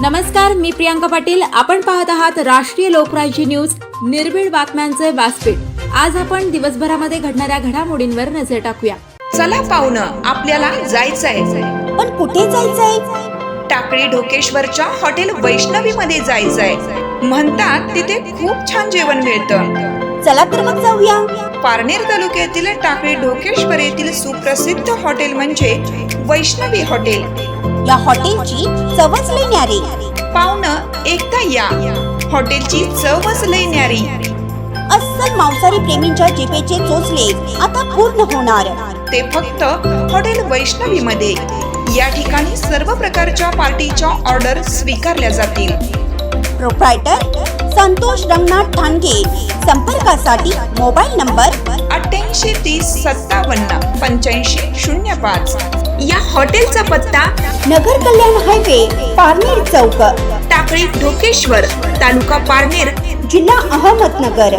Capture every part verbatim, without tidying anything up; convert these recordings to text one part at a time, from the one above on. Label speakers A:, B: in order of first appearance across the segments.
A: नमस्कार, मी प्रियांका पाटील. आपण पाहत आहात राष्ट्रीय लोकराज्य न्यूज, निर्भीड बातम्यांचे व्यासपीठ. आज आपण दिवसभरामध्ये घडणाऱ्या घडामोडींवर नजर टाकूया.
B: चला पाहुणं, आपल्याला जायचंय.
C: पण कुठे जायचंय?
B: टाकळी ढोकेश्वरच्या हॉटेल वैष्णवी मध्ये जायचंय. म्हणतात तिथे खूप छान जेवण मिळतं.
C: चला तर मग जाऊया.
B: पारनेर तालुक्यातील टाकळी ढोकेश्वर येथील सुप्रसिद्ध हॉटेल म्हणजे वैष्णवी हॉटेल.
C: या हॉटेलची चवच लई न्यारी.
B: पाहुणं, एकदा या. हॉटेलची चवच लई न्यारी.
C: अस्सल मांसाहारी प्रेमींच्या जिभेचे चोचले आता पूर्ण होणार.
B: ते फक्त हॉटेल वैष्णवी मध्ये. या ठिकाणी सर्व प्रकारच्या पार्टीच्या ऑर्डर स्वीकारल्या जातील.
C: प्रोप्रायटर संतोष रंगनाथ ठाणगे. संपर्कासाठी मोबाईल नंबर
B: अठ्ठ्याऐंशी तीस सत्तावन्न पंच्याऐंशी शून्य पाच. या हॉटेलचा पत्ता
C: नगर कल्याण हायवे, पारनेर चौक,
B: टाकळी ढोकेश्वर, तालुका पारनेर,
C: जिल्हा अहमदनगर.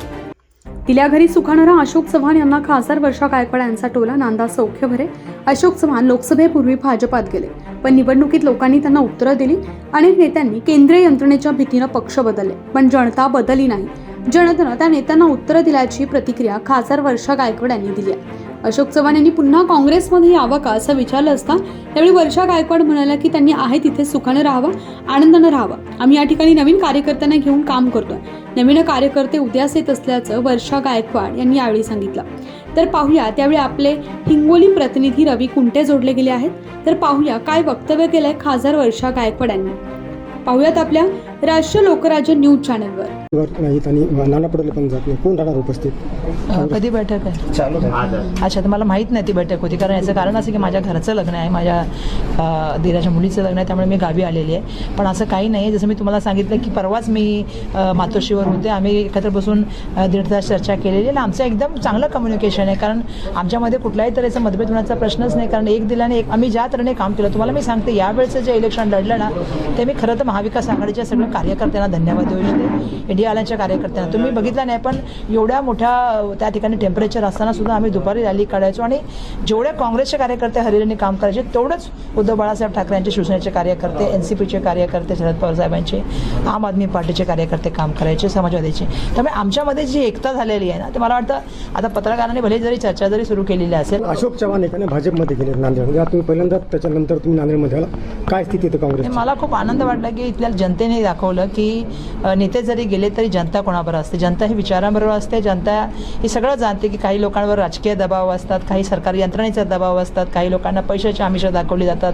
D: तिल्या घरी सुखाणारा अशोक चव्हाण यांना खासदार वर्षा गायकवाड यांचा टोला. नांदा सौख्य भरे. अशोक चव्हाण लोकसभेपूर्वी भाजपात गेले, पण निवडणुकीत लोकांनी त्यांना उत्तरं दिली. अनेक नेत्यांनी केंद्रीय यंत्रणेच्या भीतीनं पक्ष बदलले, पण जनता बदलली नाही. जनतेनं त्या नेत्यांना उत्तरं दिल्याची प्रतिक्रिया खासदार वर्षा गायकवाड यांनी दिली आहे. अशोक चव्हाण यांनी पुन्हा काँग्रेसमध्ये यावं का असं विचारलं असता त्यावेळी वर्षा गायकवाड म्हणाल्या की त्यांनी आहे तिथे सुखानं राहावं, आनंदानं राहावं. आम्ही या ठिकाणी नवीन कार्यकर्त्यांना घेऊन काम करतोय. नवीन कार्यकर्ते उद्यास येत असल्याचं वर्षा गायकवाड यांनी यावेळी सांगितलं. तर पाहूया त्यावेळी आपले हिंगोली प्रतिनिधी रवी कुंटे जोडले गेले आहेत. तर पाहूया काय वक्तव्य केलंय खासदार वर्षा गायकवाड यांनी. पाहूयात आपल्या राष्ट्रीय लोकराज्य न्यूज चॅनलवर.
E: नाहीत आणि नाना पडले पण जात नाही. कोण राहणार उपस्थित?
F: कधी बैठक आहे? अच्छा, तर मला माहीत नाही ती बैठक होती, कारण याचं कारण असं की माझ्या घरचं लग्न आहे, माझ्या दिराच्या मुलीचं लग्न आहे, त्यामुळे मी गावी आलेली आहे. पण असं काही नाही. जसं मी तुम्हाला सांगितलं की परवाच मी मातोश्रीवर होते. आम्ही एकत्र बसून दीड तास चर्चा केलेली आणि आमचं एकदम चांगलं कम्युनिकेशन आहे, कारण आमच्यामध्ये कुठल्याही तऱ्हेचा मतभेद होण्याचा प्रश्नच नाही. कारण एक दिलाने एक आम्ही ज्या तऱ्हेने काम केलं, तुम्हाला मी सांगते यावेळेचं जे इलेक्शन लढलं ना, ते मी खरं तर महाविकास आघाडीच्या सगळ्या कार्यकर्त्यांना धन्यवाद देऊ इच्छिते. इंडिया आल्याच्या कार्यकर्त्यांना तुम्ही बघितलं नाही, पण एवढ्या मोठ्या त्या ठिकाणी टेम्परेचर असताना सुद्धा आम्ही दुपारी रॅली काढायचो आणि जेवढे काँग्रेसचे कार्यकर्ते हरियाणाने काम करायचे तेवढंच उद्धव बाळासाहेब ठाकरे यांचे, शिवसेनेचे कार्यकर्ते, एन सी पीचे कार्यकर्ते, शरद पवार साहेबांचे, आम आदमी पार्टीचे कार्यकर्ते काम करायचे, समाजवादीचे. त्यामुळे आमच्यामध्ये जी एकता झालेली आहे ना, ते मला वाटतं आता पत्रकारांनी भले जरी चर्चा जरी सुरू केलेली असेल.
E: अशोक चव्हाण एकाने भाजपमध्ये गेले नांदेड. तुम्ही पहिल्यांदा त्याच्यानंतर तुम्ही नांदेडमध्ये आला. काय स्थिती आहे काँग्रेस?
F: मला खूप आनंद वाटला की इथल्या जनतेने दाखवलं की नेते जरी गेले तरी जनता कोणाबरोबर असते, जनता ही विचारांबरोबर असते. जनता हे सगळं जाणते की काही लोकांवर राजकीय दबाव असतात, काही सरकारी यंत्रणेचा दबाव असतात, काही लोकांना पैशाची आमिषं दाखवली जातात,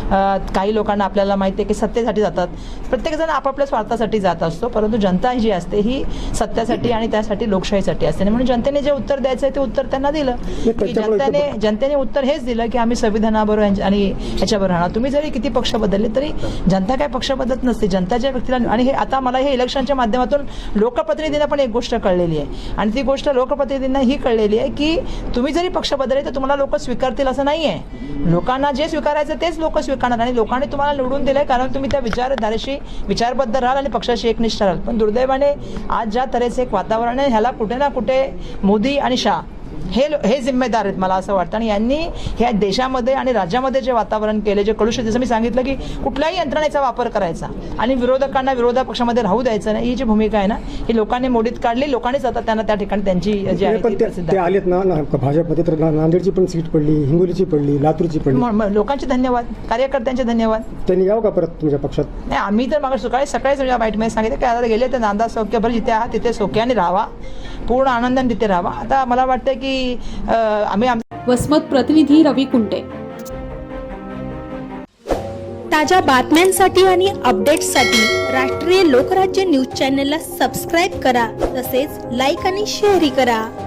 F: काही लोकांना आपल्याला माहिती आहे की सत्तेसाठी जातात. प्रत्येकजण आपापल्या स्वार्थासाठी जात असतो, परंतु जनता जी असते ही सत्यासाठी आणि त्यासाठी लोकशाहीसाठी असते. म्हणून जनतेने जे उत्तर द्यायचं आहे ते उत्तर त्यांना दिलं की जनतेने जनतेने उत्तर हेच दिलं की आम्ही संविधानाबरोबर आणि ह्याच्याबरोबर राहणार. तुम्ही जरी किती पक्ष बदलले तरी जनता काय पक्ष बदलत नसते. जनताच्या व्यक्तीला, आणि हे आता मला हे इलेक्शनच्या माध्यमातून लोकप्रतिनिधींना पण एक गोष्ट कळलेली आहे, आणि ती गोष्ट लोकप्रतिनिधींना ही कळलेली आहे की तुम्ही जरी पक्ष बदलले तर तुम्हाला लोक स्वीकारतील असं नाही आहे. लोकांना जे स्वीकारायचं तेच लोक स्वीकारणार, आणि लोकांनी तुम्हाला निवडून दिलंय कारण तुम्ही त्या विचारधारेशी विचारबद्ध राहाल आणि पक्षाशी एकनिष्ठ राहाल. पण दुर्दैवाने आज ज्या तऱ्हेचे एक वातावरण आहे, ह्याला कुठे ना कुठे मोदी आणि शाह हे हे जिम्मेदार आहेत मला असं वाटतं. आणि यांनी ह्या देशामध्ये आणि राज्यामध्ये जे वातावरण केले, जे कलुषित, जसं मी सांगितलं की कुठल्याही यंत्रणेचा वापर करायचा आणि विरोधकांना विरोधी पक्षामध्ये राहू द्यायचं नाही, ही जी भूमिका आहे ना, ही लोकांनी मोडीत काढली. लोकांनीच आता त्यांना त्या ठिकाणी त्यांची जी आहे ती प्रसिद्ध
E: ते आलेत ना भाजपमध्ये. तर नांदेडची पण सीट पडली, हिंगोलीची पडली, लातूरची पडली.
F: लोकांचे धन्यवाद, कार्यकर्त्यांचे धन्यवाद.
E: त्यांनी यावं का परत तुमच्या पक्षात?
F: नाही, आम्ही तर मग सकाळी सकाळीच माझ्या बाईटमध्ये सांगितलं की आता गेले तर नांदा सौख्य भर, जिथे आहात तिथे सौख्याने राहावा, पूर्ण आनंदाने तिथे राहावा. आता मला वाटतं की आम्ही
D: वसमत प्रतिनिधी रवी कुंटे.
G: ताज्या बातम्यांसाठी आणि अपडेट्ससाठी राष्ट्रीय लोकराज्य न्यूज चॅनलला सबस्क्राईब करा, तसेच लाईक आणि शेअरही करा.